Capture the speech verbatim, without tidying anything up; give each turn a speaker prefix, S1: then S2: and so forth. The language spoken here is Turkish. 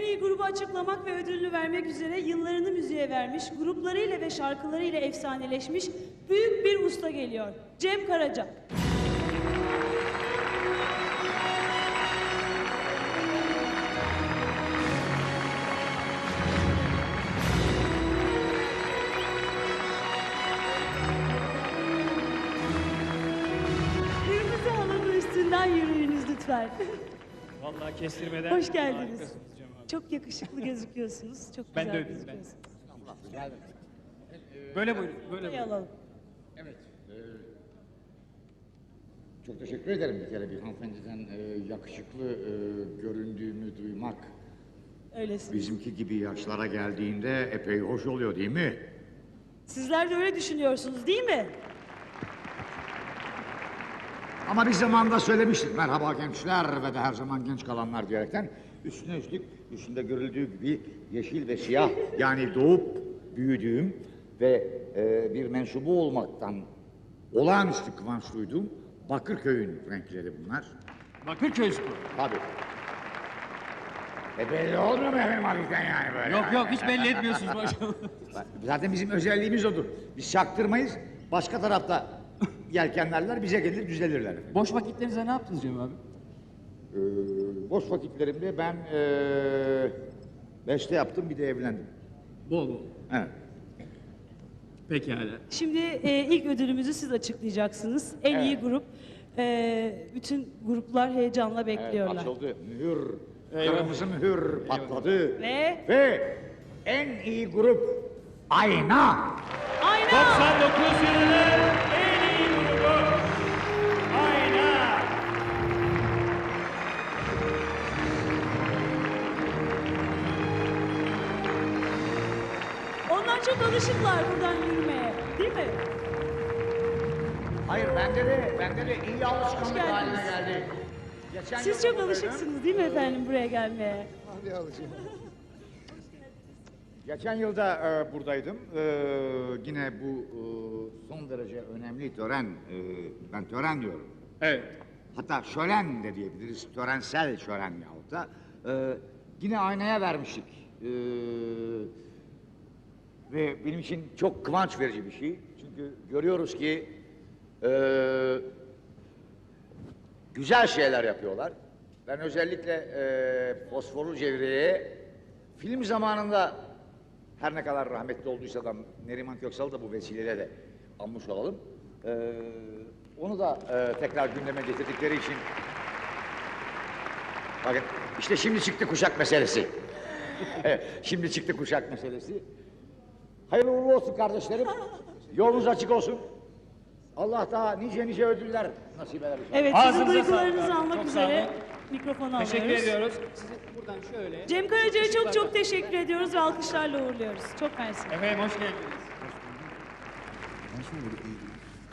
S1: iyi grubu açıklamak ve ödülünü vermek üzere yıllarını müziğe vermiş, gruplarıyla ve şarkılarıyla efsaneleşmiş büyük bir usta geliyor. Cem Karaca. Kırmızı halının üstünden yürüyünüz lütfen.
S2: Vallahi kestirmeden.
S1: Hoş geldiniz.
S2: Harikasınız Cem abi.
S1: Çok yakışıklı gözüküyorsunuz. Çok
S2: Ben
S1: güzel
S2: de öyleyim, ben.
S1: gözüküyorsunuz.
S2: Böyle buyurun, böyle
S1: Burayı
S2: buyurun.
S1: alalım.
S3: Evet. e, çok teşekkür ederim bir kere bir hanımefendiden e, yakışıklı e, göründüğümü duymak.
S1: Öylesiniz.
S3: Bizimki gibi yaşlara geldiğinde epey hoş oluyor değil mi?
S1: Sizler de öyle düşünüyorsunuz değil mi?
S3: Ama biz zamanında söylemiştik merhaba gençler ve de her zaman genç kalanlar diyerekten üstüne üstlük üstünde görüldüğü gibi yeşil ve siyah yani doğup büyüdüğüm ve e, bir mensubu olmaktan olağanüstü kıvanç duyduğum Bakırköy'ün renkleri bunlar.
S2: Bakırköy Spor.
S3: Tabii. E belli olmuyor mu efendim hafiften yani böyle?
S2: Yok yok, hiç belli etmiyorsunuz maşallah.
S3: Zaten bizim özelliğimiz odur. Biz çaktırmayız, başka tarafta yelkenlerler bize gelir düzelirler efendim.
S2: Boş vakitlerinizde ne yaptınız Cem abi?
S3: Ee, boş vakitlerimde ben ee, beste yaptım bir de evlendim.
S2: Bol bol.
S3: Evet.
S2: Pekala.
S1: Şimdi e, ilk ödülümüzü siz açıklayacaksınız. En
S3: Evet.
S1: iyi grup. E, bütün gruplar heyecanla
S3: Evet,
S1: bekliyorlar.
S3: açıldı. Mühür,
S2: Eyvallah.
S3: kırmızı mühür patladı.
S1: Ve
S3: Ve en iyi grup Ayna.
S1: ayna.
S2: doksan dokuz yılının en iyi grubu. Ayna.
S1: Onlar çok alışıklar buradan yürümeye. Değil mi?
S3: Hayır bende de, bende de iyi alışkanlık
S1: geldiniz.
S3: haline geldi. Geçen
S1: Siz
S3: yıl
S1: çok
S3: buradaydım.
S1: alışıksınız değil mi efendim buraya gelmeye?
S3: Geçen yılda e, buradaydım. E, yine bu e, son derece önemli tören, e, ben tören diyorum.
S2: Evet.
S3: Hatta şölen de diyebiliriz, törensel şölen yahut da. E, yine aynaya vermiştik. E, ve benim için çok kıvanç verici bir şey. Çünkü görüyoruz ki e, güzel şeyler yapıyorlar. Ben özellikle e, Fosforlu Cevriye'ye film zamanında her ne kadar rahmetli olduysa da Neriman Köksal'ı da bu vesileyle de anmış olalım. Ee, onu da e, tekrar gündeme getirdikleri için... Bakın işte şimdi çıktı kuşak meselesi. Evet, şimdi çıktı kuşak meselesi. Hayırlı uğurlu olsun kardeşlerim. Yolunuz açık olsun. Allah daha nice nice ödüller nasip eder.
S1: Evet, sizin
S2: Ağzınıza
S1: duygularınızı
S2: sağlık.
S1: almak
S2: Çok sağ
S1: üzere
S2: olun.
S1: mikrofonu alıyoruz.
S2: Teşekkür ediyoruz. Sizi buradan şöyle.
S1: Cem Karaca'ya çok çok teşekkür ediyoruz ve alkışlarla uğurluyoruz. Çok mersi.
S2: Efendim hoş geldiniz.
S3: Ben şimdi böyle